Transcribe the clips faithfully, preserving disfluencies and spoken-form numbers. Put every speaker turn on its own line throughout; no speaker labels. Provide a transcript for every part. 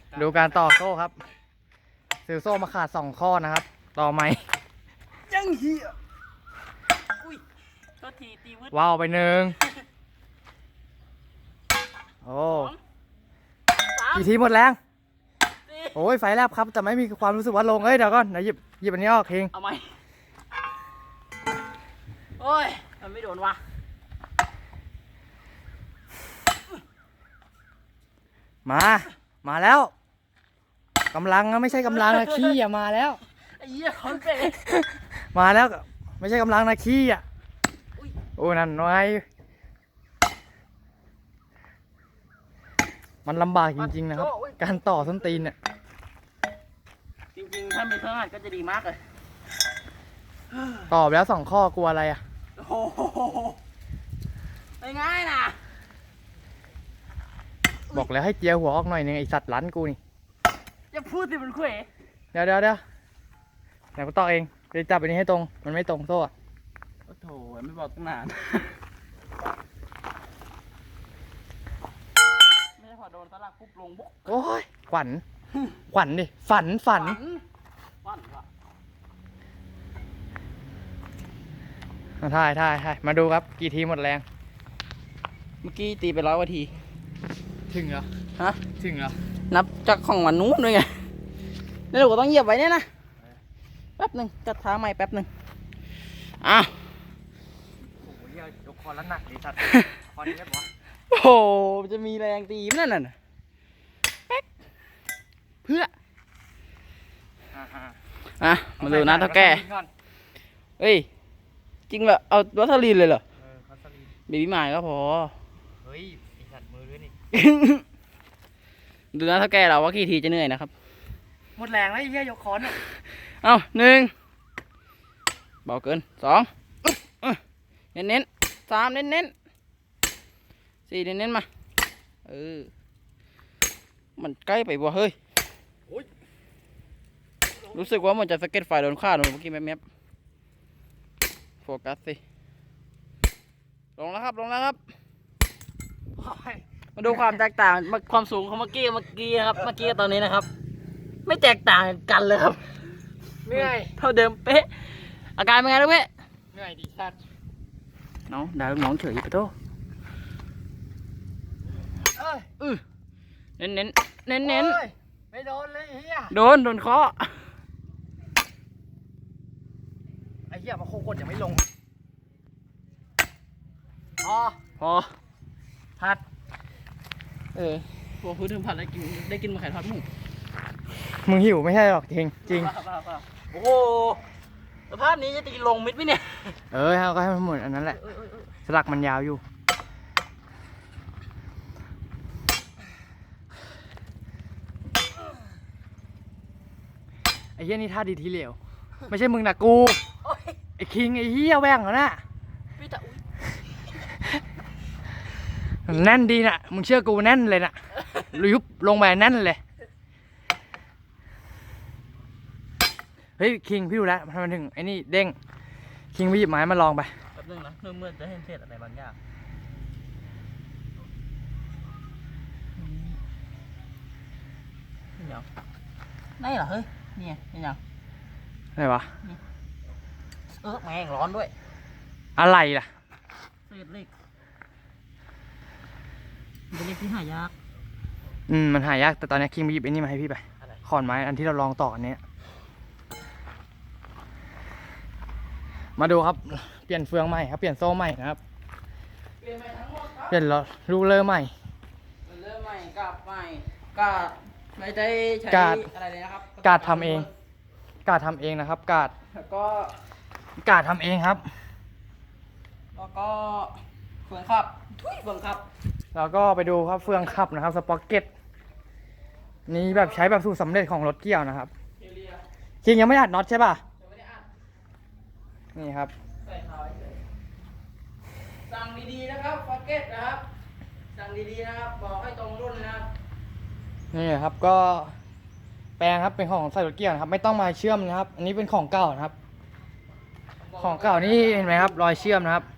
ดูการต่อโซ่ครับซื้อโซ่มาขาดสองข้อนะครับ ต่อไหม
ยังเหี้ยอุ้ยก็ทีตีวืด
ว้าวไปหนึ่งโอ้กี่ทีหมดแรงโอ้ยไฟแลบครับแต่ไม่มีความรู้สึกว่าลงเอ้ยเดี๋ยวก่อนเดี๋ยวหยิบหยิบอันนี้ออกเอง
เอาไหมโอ้ยมันไม่โดนวะ
มามาแล้วกำลังนะไม่ใช่กำลังนะขี้อ่ะมาแล้ว
ไอ้เหี้ยคอนเฟ่
มาแล้วไม่ใช่กำลังนะขี้อ่ะโอ้นั่นน้อยมันลำบากจริงๆนะครับการต่อส้นตีนเนี่ย
จริงๆถ้ามีเครื่องอัดก็จะดีมากเลย
ต่อไปแล้วสองข้อกลัวอะไรอ่ะ
โอ้โหไม่ง่ายนะ
บอกแล้วให้เจียวหัวออกหน่อยนึงไอสัตว์ลั้นกูนี่
จะพูดสิมันคุย
เดี๋ยวเดี๋ยวเดี๋ยวเดี๋ยวกูต่อเองไปจับอันนี้ให้ตรงมันไม่ตรงโซ่อะ
โอ้โถไม่บอกตั้งนานไม่ได้พอโดนสลักปุ๊บลงบุ๊ก
โอ้ยขวัญขวัญดิฝันฝัน
ฝันว่ะ
ถ่ายถ่ายถ่ายมาดูครับกี่ทีหมดแรง
เมื่อกี้ตีไปร้อยกว่าที
ถึงเหรอ
ฮะ
ถึงเหรอ
นับจากของวันนู้นด้วยไงนี่เราก็ต้องเหยียบไว้เนี่ยนะแป๊บหนึ่งจัดท้าใหม่แป๊บหนึ่งอ้าว
โอ้ยยกคอแล้วหนักดิสัตว์คอนี้ได้ปะ
โอ้โหจะมีแรงตีมันนั่นน่ะแป๊กเพื่ออ่ะมาดูนะเท่าแก่เอ้ยจริงเหรอเอาวัสลีนเลยเหรอเบบี้หมายก็พอ
เฮ้ยอีสัตว์มือด้วยนี่
ดูนะเท่าแก่เราว่ากี่ทีจะเหนื่อยนะครับ
หมดแรงแล้วไอ้เหี้ยยกคอนเนี่ย
เอาหนึ่งเบาเกินสองเน้นเน้นสามเน้นเน้นสี่เน้นเน้นมาเออมันใกล้ไปบ่เฮ้ยรู้สึกว่ามันจะสเก็ตไฟโดนฆ่าโดนเมื่อกี้แมบๆโฟกัสสิลงแล้วครับลงแล้วครับมาดูความแตกต่างความสูงของเมื่อกี้เมื่อกี้ครับเมื่อกี้ตอนนี้นะครับไม่แตกต่างกันเลยครับ
เหนื่อย
เท่าเดิมเป๊ะอาการเป็นไงลูกเป๊ะ
เหนื่อยดิสัตว์
น้องด่าลูกน้องเฉยไปโต้
เอ้ย
อือเน้นเน้นเน้นเน้น
ไม่โดนเลยเฮีย
โดนโดนเคาะ
ไอ้เหี้ยมาโคกดยังไม่ลงพอ
พอ
พัด
เออพวกพื้นถึงผัดได้กินได้กินมาไข่ทอดหมู
มึงหิวไม่ใช่หรอกจริงจริง
โอ้โหสภาพนี้จะตีลงมิดไหมเนี่ย
เออก็ให้มันหมดอันนั้นแหละสลักมันยาวอยู่ไอ้เหี้ยนี่ท่าดีทีเหลวไม่ใช่มึงนะกูไอ้คิงไอ้เหี้ยแว่งเหรอน่ะแน่นดีน่ะมึงเชื่อกูแน่นเลยน่ะยุบลงไปแน่นเลยเฮ้ยคิงพี่ดูแลทำไมถึงไอ้นี่เด้งคิงไปหยิบไม้มาลองไป
แป๊บนึงนะเมื่อเมื่อจะเห็นเศษอะไรบางอย่างเดี๋ยวนี่เหรอเฮ้ยนี่ไงนี่ยัง
อะไรวะ
เออแม่งร้อนด้วย
อะไรล่ะ
เศษเหล็กเป็นเหล็กที่หายาก
อืมมันหายากแต่ตอนนี้คิงไปหยิบไอ้นี่มาให้พี่ไปขอนไม้อันที่เราลองต่ออันนี้มาดูครับเปลี่ยนเฟืองใหม่ครับเปลี่ยนโซ่ใหม่นะครับ
เปลี่ยนใหม่ทั้งหมดครับ
เปลี่ยนลูกเลอใหม่
เลอใหม่กับใหม่กาดไม่ได้ใช้อะไรเลยนะครับ
กาดทำเองกาดทำเองนะครับกาด
แล้วก็
กาดทำเองครับ
แล้วก็เฟืองขับทุยเฟืองขับ
แล้วก็ไปดูครับเฟืองขับนะครับสป็อกเก็ตนี่แบบใช้แบบสูตรสำเร็จของรถเกี่ยวนะครับคิงยังไม่อัดน็อตใช่ป่ะนี่ครับ
สั่งดีๆนะครับพ็อกเก็ตนะครับสั่งดีๆนะครับบอกให้ตรงรุ่นนะครับ
นี่ครับก็แปลงครับเป็นของใส่รถเกี่ยวนะครับไม่ต้องมาเชื่อมนะครับอันนี้เป็นของเก่านะครับของเก่านี่เห็นไหมครับรอยเชื่อมนะครับ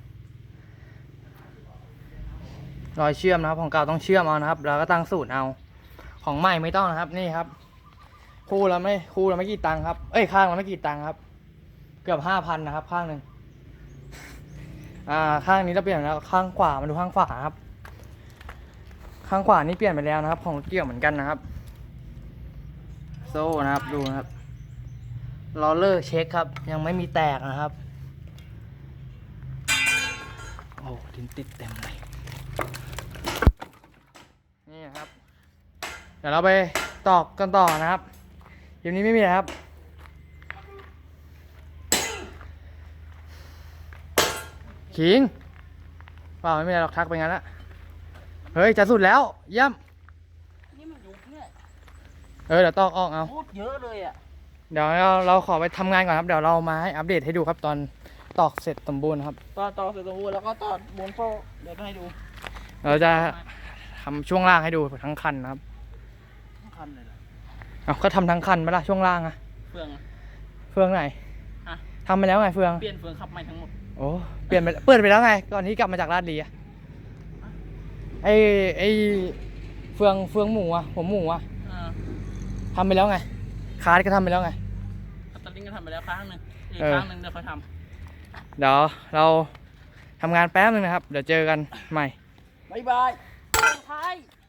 รอยเชื่อมนะครับของเก่าต้องเชื่อมเอานะครับแล้วก็ตั้งสูตรเอาของใหม่ไม่ต้องนะครับ นี่ครับ คู่ละไม่คู่ละไม่กี่ตังค์ครับ เอ้ยข้างละไม่กี่ตังค์ครับ เกือบห้าพันนะครับ ข้างหนึ่งอ่า ข้างนี้เราเปลี่ยนแล้วข้างขวามาดูข้างขวาครับ ข้างขวานี่เปลี่ยนไปแล้วนะครับ ของเกี่ยวเหมือนกันนะครับ โซ่นะครับดูนะครับลอเลอร์เช็คครับ ยังไม่มีแตกนะครับ โอ้ดินติดเต็มเลยนี่นะครับ เดี๋ยวเราไปตอกกันต่อนะครับเดี๋ยวนี้ไม่มีแล้วครับขิงเปล่าไม่มีอะไรหรอกทักไปงั้นละเฮ้ยจะสุดแล้วเยี่ยม
นี่มันยุบเนี่ย
เออเดี๋ยวตอกออกเอา
พูดเยอะเลยอ่ะ
เดี๋ยวเราเราขอไปทำงานก่อนครับเดี๋ยวเรามาให้อัปเดตให้ดูครับตอนตอกเสร็จสมบูรณ์ครับ
ต่อต่อเสร็จสมบูรณ์แล้วก็ต่อบนโซ่เดี๋ยวจะให้ดู
เราจะทำช่วงล่างให้ดูทั้งคันนะครับ
ทั้งคันเลยเหรอ
เอาก็ทำทั้งคันไปละช่วงล่างอะ
เฟืองอะ
เฟืองไหน
ฮะ
ทำไปแล้วไงเฟือง
เปลี่ยนเฟืองขับใหม่ทั้งหมด
โอ้เปลี่ยนไปเปิดไปแล้วไงก่อนที่กลับมาจากลาดลีอะไอไอเฟืองเฟืองหมูอะผมหมูอะ
อ่า
ทำไปแล้วไงคาร์ดก็ทำไปแล้วไง
คัตเตอร์ลิงก็ทำไปแล้วครั้งหนึ่งอีก
เออ
ครั้งหนึ่งเดี๋ยวค่อยท
เดี๋ยวเราทำงานแป๊บนึงนะครับ เดี๋ยวเจอกันใหม่
ำบายบายท้าย